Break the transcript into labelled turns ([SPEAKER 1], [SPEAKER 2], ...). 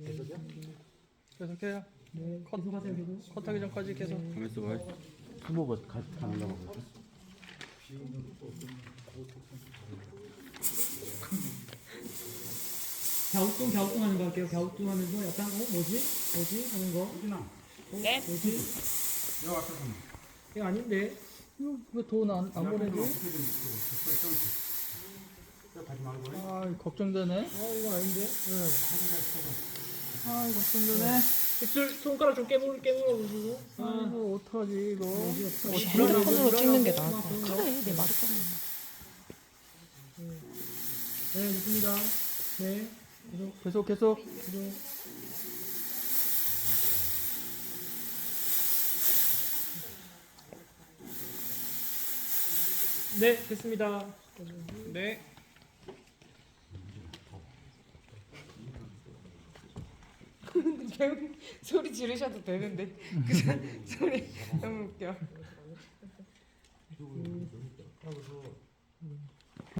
[SPEAKER 1] 계속해요.
[SPEAKER 2] 네, 계속하세요, 계속.
[SPEAKER 1] 컷하기 전까지 계속.
[SPEAKER 3] 가면서 봐. 스모가 가능하고.
[SPEAKER 2] 갸우뚱 하는 거 할게요. 갸우뚱 하면서 약간 뭐지 하는 거.
[SPEAKER 4] 네.
[SPEAKER 2] 뭐지? 이거 아닌데.
[SPEAKER 1] 왜 돈 안 보내지? 아, 걱정되네.
[SPEAKER 2] 이거 아닌데.
[SPEAKER 1] 아, 걱정되네.
[SPEAKER 2] 입술 손가락 좀 깨물어 보시고.
[SPEAKER 1] 아이고, 어떡하지, 이거.
[SPEAKER 4] 핸드폰으로 찍는 게 나을 것 같아. 그래, 내 말을 꺼내.
[SPEAKER 2] 네, 좋습니다. 네,
[SPEAKER 1] 계속.
[SPEAKER 2] 계속. 네, 됐습니다.
[SPEAKER 1] 네.
[SPEAKER 4] 소리 지르셔도 되는데 그 소리 너무 웃겨.